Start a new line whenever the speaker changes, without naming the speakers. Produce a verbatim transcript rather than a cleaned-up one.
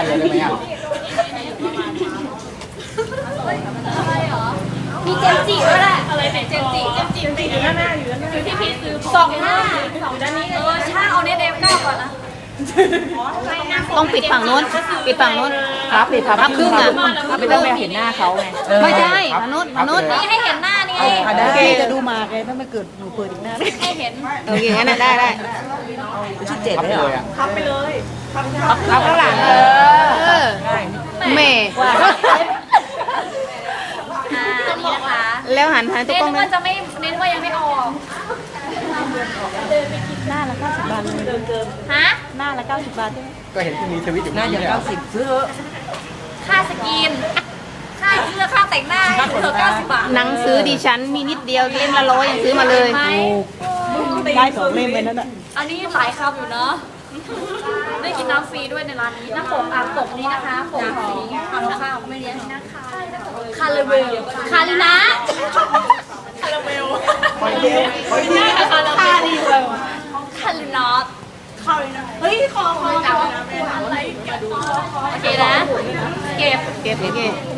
เลยได้ไหมอ่ะ
มีเจมจิด้วยแหละอะไรไหนเจมจิเจมจิติดอยู่ด้านหน้าอยู่ด้านหน้าอยู่ที่พี่ซื้อสองหน้าสองด้านนี้เออช่างเอาเน็ตเอฟเก้าก่อนนะ
ต้องปิดฝั่งโน้นปิดฝั่งโน้น
ครับปิดครับ
พับครึ่งอ่ะ
ไม่ต้องไปเห็นหน้าเขาไง
ไม่ใช่ฝั่งโน้นฝั่งโน้น
นี่ให้เห็นหน้านี่
เอาได้
แก
จะดูมาแกถ้าไม่เกิดหนูเปิดอีกหน้า
ให้เห็น
โอเคงั้นน่ะได้ได้
ชุดเจ็ด
พับ
เลย
ไป
เหร
เล
อย
อ่ะ
พับข้างหลังเอ
เออแม่
อ่าอันนี้นะคะ
แล้วหันหันตัว
เน้
กล้อน ง
ว่า
นะ
จะไม่เน้นว่ายังไม่ออก
หน้าละเก้าสิบบาทเลย
ฮะ
หน้าละเก้าสิบบาทใช่ไหม
ก็เห็นที่มีทวิตอยู่
หน้า
นี่
อย่าง
เนี่ย
เก้าสิบซื้อ
ค่าสกินค่าเสื้อค่าแต่งหน้าให้เธอเก้าสิบบาท
หนังสือดิฉันมีนิดเดียวเล่มละร้อยยังซื้อมาเลย
ไหม
ได้สองเล่มเลยนั่นแหละ
อันนี้หลายคำอยู่เนาะได้กินน้ำฟรีด้วยในร้านนี้น้ำปกอ่างปกนี้นะคะปกสีทำข้าวไม่เลี้ยงนะคะคาราเวลคารินะคาราเวลคารินะคารินะคาริเวลคารินอตเฮ้ยคอคออะไรโอเคนะเก็บ
เก็บเก็บ